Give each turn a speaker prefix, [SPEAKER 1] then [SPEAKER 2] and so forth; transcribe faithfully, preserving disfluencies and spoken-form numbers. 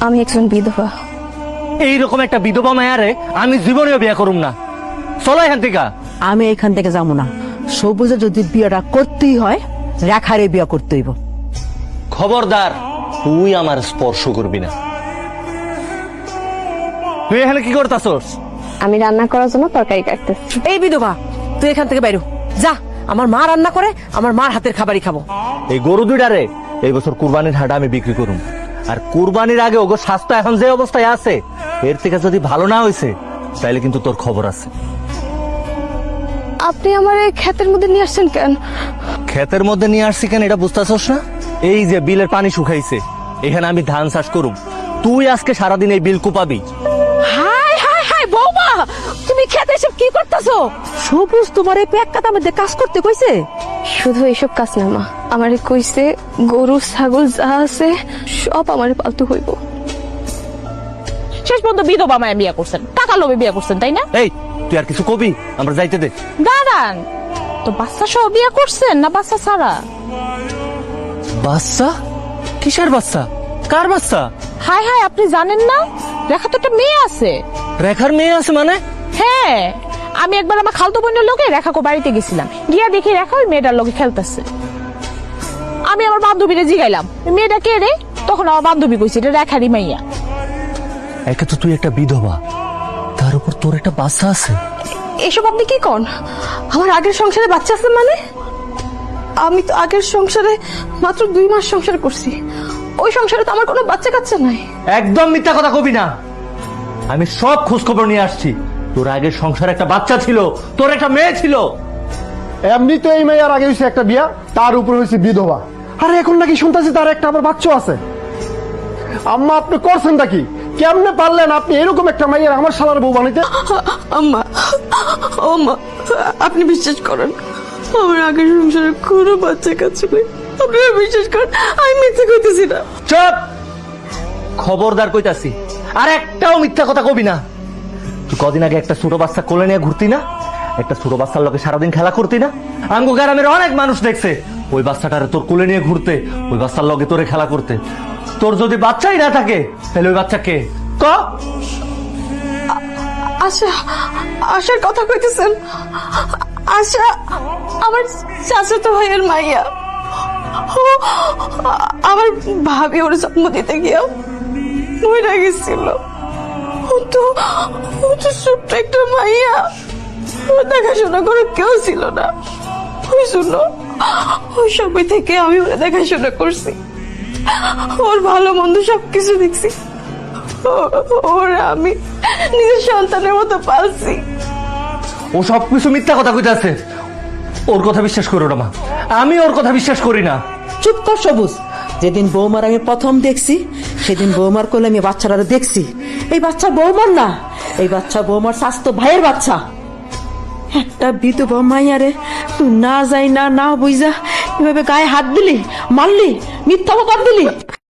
[SPEAKER 1] আমি একজন বিধবা।
[SPEAKER 2] এইরকম একটা বিধবা মায়ারে আমি জীবনেও বিয়ে করুম না। চলো এখান থেকে।
[SPEAKER 3] আমি এখান থেকে যাবো না। সবুজে যদি বিয়েটা করতেই হয় রেখারে বিয়ে করতে হইব।
[SPEAKER 2] খবরদার, তুই আমার স্পর্শ করবি না। তুই এখানে কি করতাছস?
[SPEAKER 1] আমি রান্না করার জন্য তরকারি কাটতেছি।
[SPEAKER 3] এই বিধবা, তুই এখান থেকে বাইরো যা। আমার মা রান্না করে, আমার মার হাতের খাবারই খাবো।
[SPEAKER 2] এই গরু দুইটারে এই বছর কুরবানির হাটে আমি বিক্রি করুম। আর কুরবানির আগে ওগো স্বাস্থ্য এখন যে অবস্থায় আছে, এর থেকে যদি ভালো না হয়েছে তাইলে কিন্তু তোর খবর আছে।
[SPEAKER 1] আপনি আমার এই ক্ষেতের মধ্যে নিয়ে আসছেন কেন?
[SPEAKER 2] ক্ষেতের মধ্যে নিয়ে আসছি কেন এটা বুঝতেছস না? এই যে বিলের পানি শুকাইছে, এখানে আমি ধান চাষ করুম। তুই আজকে সারাদিন এই বিল কুপাবি।
[SPEAKER 3] হাই হাই হাই বৌমা, তুমি খেতে এসব কি করতেছো? সবুজ তোমার এই পেক কাটার মধ্যে কাজ করতে কইছে?
[SPEAKER 1] শুধু এইসব কাজ না মা, আমারে কইছে গরু ছাগল যা আছে সব আমারে পালতু হইব।
[SPEAKER 4] শেষ পর্যন্ত বিধবা মায়া বিয়ে করছেন, টাকা লোভে বিয়ে করছেন, তাই না?
[SPEAKER 2] এই তুই আর কিছু কবি? আমরা যাইতে দে।
[SPEAKER 4] দাঁড়ান, তো বাচ্চা সহ বিয়ে করছেন না বাচ্চা ছাড়া?
[SPEAKER 2] বাচ্চা? কিসের বাচ্চা? কার বাচ্চা?
[SPEAKER 4] হাই হাই, আপনি জানেন না রেখা তো একটা মেয়ে আছে।
[SPEAKER 2] রেখার মেয়ে আছে মানে?
[SPEAKER 4] হ্যাঁ, আমি একবার আমার খালতো বোনের লোকে রেখাকে বাড়িতে গেছিলাম, গিয়া দেখি রেখা ওই মেয়েটার লোকে খেলতেছে। আমি আমার বান্ধবীরে জিগাইলাম মেয়েটা কে রে, তখন আমার বান্ধবী কইছে এটা রেখারই মাইয়া।
[SPEAKER 2] একে তো তুই একটা বিধবা, তার উপর তোর একটা বাচ্চা আছে।
[SPEAKER 1] এসব আপনি কি কন? আমার আগের সংসারে বাচ্চা আছে মানে? আমি তো আগের সংসারে মাত্র দুই মাস সংসার করছি, ওই সংসারে তো আমার কোনো বাচ্চা কাচ্চা নাই।
[SPEAKER 2] একদম মিথ্যা কথা কবি না। আমি সব খোঁজ খবর নিয়ে আসছি। তোর আগের সংসারে একটা বাচ্চা ছিল, তোর একটা মেয়ে ছিল।
[SPEAKER 5] এমনি তো এই মেয়ের আগে হয়েছে একটা বিয়া, তার উপর হয়েছে বিধবা, আর এখন নাকি শুনতেছি তার একটা আবার বাচ্চা আছে। আম্মা আপনি করছেনটা কি? কেমনে পারলেন আপনি এরকম একটা মেয়ের আমার শালার বউ বানাইতে?
[SPEAKER 1] আম্মা, ও মা, আপনি বিশ্বাস করেন আমার আগের সংসারে কোনো বাচ্চা কাচ্চা নেই। আপনারা বিশ্বাস করেন, আমি মিথ্যে কইতেছি না।
[SPEAKER 2] চুপ! খবরদার কইতাছি, আর একটাও মিথ্যা কথা কবি না। তুই কদিন আগে একটা ছোট বাচ্চা কোলে নিয়ে ঘুরতি না? একটা ছোট বাচ্চার লোকে সারাদিন খেলা করতি না? আমগো গ্রামের অনেক মানুষ দেখছে ওই বাচ্চাটারে তোর কোলে নিয়ে ঘুরতে, ওই বাচ্চার লগে তোরে খেলা করতে। তোর যদি বাচ্চাই না থাকে তাহলে ওই বাচ্চা কে? ক
[SPEAKER 1] আশা, আশার কথা কইতেছেন? আশা আমার চাচাতো ভাইয়ের মাইয়া। ও আমার ভাবি ওর জন্ম দিতে গিয়েও মরে গেছিল। ও তো ও তো ছোট্ট একটা মাইয়া, ওর দেখাশোনা করে কেউ ছিল না। ওই জন্য ওই সময় থেকে আমি ওরা দেখাশোনা করছি, ওর ভালো মন্দ সবকিছু দেখছি। ওরা আমি নিজের সন্তানের মতো পালছি।
[SPEAKER 2] ও সবকিছু মিথ্যা কথা কইতাছে। ওর কথা বিশ্বাস করো না মা, আমি ওর কথা বিশ্বাস করি না।
[SPEAKER 3] চুপ কর সবুজ। যেদিন বৌমার আমি প্রথম দেখছি সেদিন বৌমার কোলে আমি বাচ্চারা দেখছি। এই বাচ্চা বৌমার না, এই বাচ্চা বৌমার স্বাস্থ্য ভাইয়ের বাচ্চা। একটা বিধবা মাইয়ারে তুই না যাই না না বুঝা এভাবে গায়ে হাত দিলি, মারলি, মিথ্যা অপবাদ দিলি।